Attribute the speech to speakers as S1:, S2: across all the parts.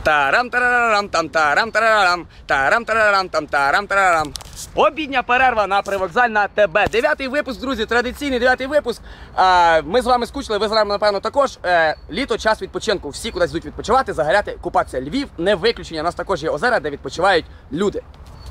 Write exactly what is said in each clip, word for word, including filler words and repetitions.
S1: Тарам тарарам там тарам тарарам, тарам тарарам там тарам тарарам. Обідня перерва на Привокзальна ТБ. Дев'ятий випуск, друзі, традиційний дев'ятий випуск. А, ми з вами скучили, ви з нами, напевно, також. Е, літо, час відпочинку. Всі кудись йдуть відпочивати, загоряти, купатися. Львів не виключення. У нас також є озера, де відпочивають люди.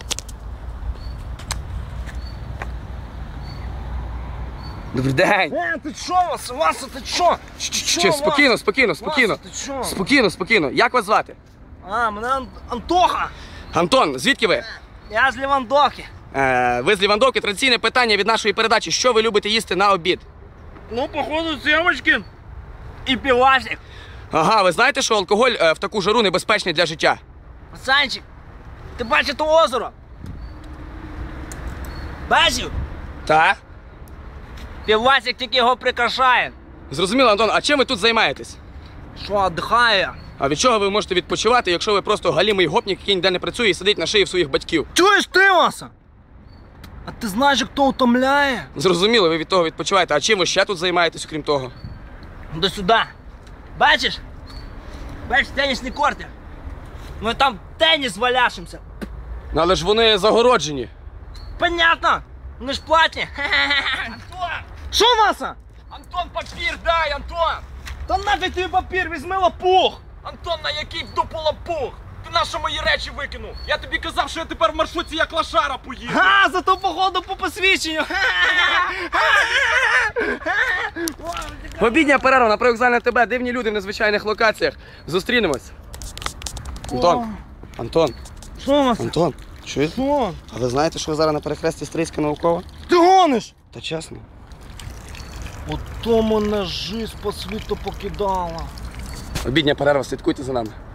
S1: Добрий день!
S2: Е, ти чо, Васа, Васа, ти чо?
S1: Чи, спокійно, спокійно, спокійно.
S2: Васа, ти чо?
S1: Спокійно, спокійно. Як вас звати?
S2: А, мене Ан- Антоха.
S1: Антон, звідки ви?
S2: Я з Лівандохи.
S1: Е, ви з Лівандовки. Традиційне питання від нашої передачі. Що ви любите їсти на обід?
S2: Ну, походу, сімочки і півасик.
S1: Ага, ви знаєте, що алкоголь е, в таку жару небезпечний для життя?
S2: Пацанчик, ти бачиш то озеро? Бачив?
S1: Так.
S2: Півасик тільки його прикрашає.
S1: Зрозуміло, Антон, а чим ви тут займаєтесь?
S2: Що, віддихає?
S1: А від чого ви можете відпочивати, якщо ви просто галімий гопнік, який ніде не працює і сидить на шиї в своїх батьків?
S2: Чуєш ти, Васа? А ти знаєш, хто утомляє?
S1: Зрозуміло, ви від того відпочиваєте. А чим ви ще тут займаєтесь, окрім того?
S2: До сюди. Бачиш? Бачиш тенісні корти? Ми там теніс валяшимося.
S1: Ну, але ж вони загороджені.
S2: Понятно. Вони ж платні.
S3: Антон!
S2: Що, Васа?
S3: Антон, папір дай, Антон!
S2: Та нафіг тобі папір, візьми лапух.
S3: Антон, на який в дупу лапух? Ти на що мої речі викинув? Я тобі казав, що я тепер в маршрутці як лошара поїду.
S2: Га, зато походу по посвідченню.
S1: Обідня перерва на Привокзальна ТБ. Дивні люди в незвичайних локаціях. Зустрінемось. Антон. Антон.
S2: Що, Васа?
S1: Антон. Чуєте?
S2: Що?
S1: А ви знаєте, що ви зараз на перехресті Стрийська наукова?
S2: Ти гониш?
S1: Та чесно.
S2: Ото мене жизнь по світу покидала.
S1: Обідня перерва, слідкуйте за нами.